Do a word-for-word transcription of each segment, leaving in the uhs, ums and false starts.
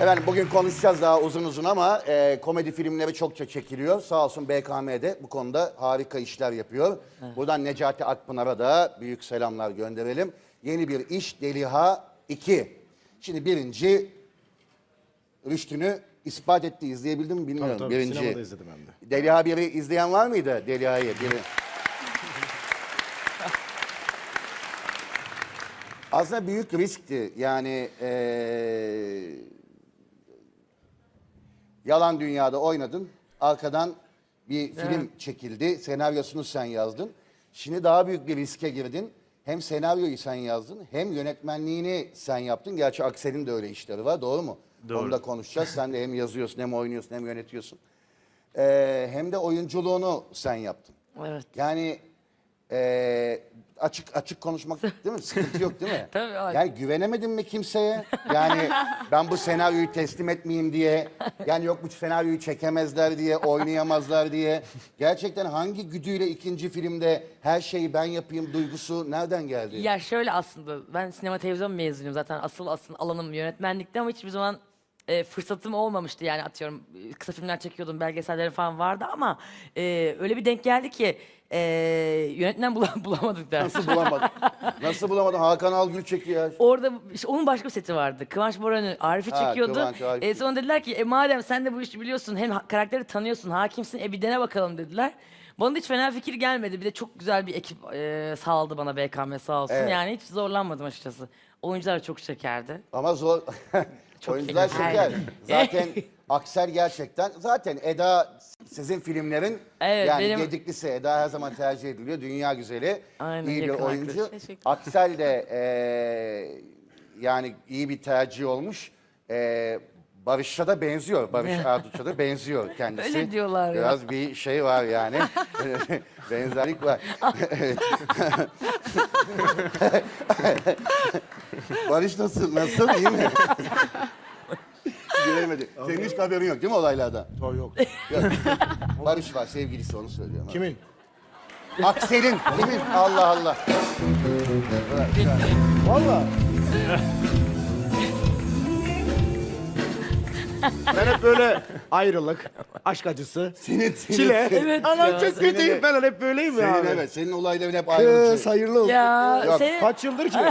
Efendim bugün konuşacağız daha uzun uzun ama e, komedi filmleri çokça çekiliyor. Sağ olsun B K M'de bu konuda harika işler yapıyor. Evet. Buradan Necati Akpınar'a da büyük selamlar gönderelim. Yeni bir iş Deliha iki. Şimdi birinci rüştünü ispat etti. İzleyebildim mi bilmiyorum. Tabii, tabii. Birinci. Sinemada izledim hem de. Deliha biri izleyen var mıydı? Deliha'yı biri. Aslında büyük riskti. Yani ee, yalan dünyada oynadın. Arkadan bir film Evet. çekildi. Senaryosunu sen yazdın. Şimdi daha büyük bir riske girdin. Hem senaryoyu sen yazdın hem yönetmenliğini sen yaptın. Gerçi Aksel'in de öyle işleri var. Doğru mu? Doğru. Onu da konuşacağız. Sen de hem yazıyorsun hem oynuyorsun hem yönetiyorsun. Ee, hem de oyunculuğunu sen yaptın. Evet. Yani e, açık açık konuşmak değil mi? Sıkıntı yok değil mi? Tabii abi. Yani güvenemedin mi kimseye? Yani ben bu senaryoyu teslim etmeyeyim diye. Yani yok bu senaryoyu çekemezler diye, oynayamazlar diye. Gerçekten hangi güdüyle ikinci filmde her şeyi ben yapayım duygusu nereden geldi? Ya şöyle aslında ben sinema televizyon mezunuyum zaten asıl asıl alanım yönetmenlikte ama hiçbir zaman e, fırsatım olmamıştı yani atıyorum e, kısa filmler çekiyordum belgeseller falan vardı ama e, öyle bir denk geldi ki e, yönetmen bula- bulamadık da. Nasıl bulamadın? Nasıl bulamadın? Hakan Algül çekiyor. Orada işte onun başka bir seti vardı. Kıvanç Boran'ı Arif'i Ha, çekiyordu. Kıvanç, Arif. E, sonra dediler ki e, madem sen de bu işi biliyorsun hem ha- karakteri tanıyorsun hakimsin e bir dene bakalım dediler. Bana da hiç fena fikir gelmedi. Bir de çok güzel bir ekip e, sağladı bana B K M sağ olsun. Evet. Yani hiç zorlanmadım açıkçası. Oyuncular da çok şekerdi. Ama zor. Oyuncular şeker. şeker. Zaten Aksel gerçekten. Zaten Eda sizin filmlerin Evet, yani benim- Gediklisi Eda her zaman tercih ediliyor. Dünya güzeli. Aynen, iyi bir yakın oyuncu. arkadaş. Teşekkür. Aksel de eee, yani iyi bir tercih olmuş. Eee Barış'a da benziyor. Barış Arduç'a da benziyor kendisi. Öyle diyorlar ya. Biraz bir şey var yani. Benzerlik var. Evet. Barış nasıl? Nasıl? İyi mi? Gülemedi. Senin hiç haberin yok değil mi olaylardan? Tabii yok. Yok. Barış var, sevgilisi onu söylüyorum. Kimin? Aksel'in. Kimin? Allah Allah. Valla. Ben hep böyle ayrılık, aşk acısı, Senin, senin, çile. senin, Evet Anam ya. çok kötüyüm ben hep böyleyim ya senin abi. evet. Senin olayların hep Kız ayrılıcı. hayırlı olsun. Ya Yok, senin... Kaç yıldır ki?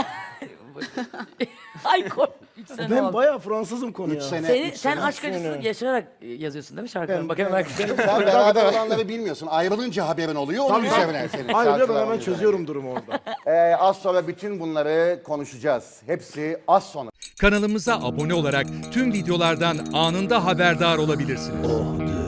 Ay kork. Üç sene Ben oldu. bayağı Fransızım konuya. Üç sene. Seni, üç sen sene. aşk acısı sene. yaşayarak yazıyorsun değil mi şarkıları? Ben- Bakın ben- bak. Sen beraber olanları bilmiyorsun. Ayrılınca haberin oluyor. Onun Tabii, üzerine senin. Ayrıca ben şarkılar hemen onun üzerine. çözüyorum durumu orada. Ee, az sonra bütün bunları konuşacağız. Hepsi az sonra. Kanalımıza abone olarak tüm videolardan anında haberdar olabilirsiniz.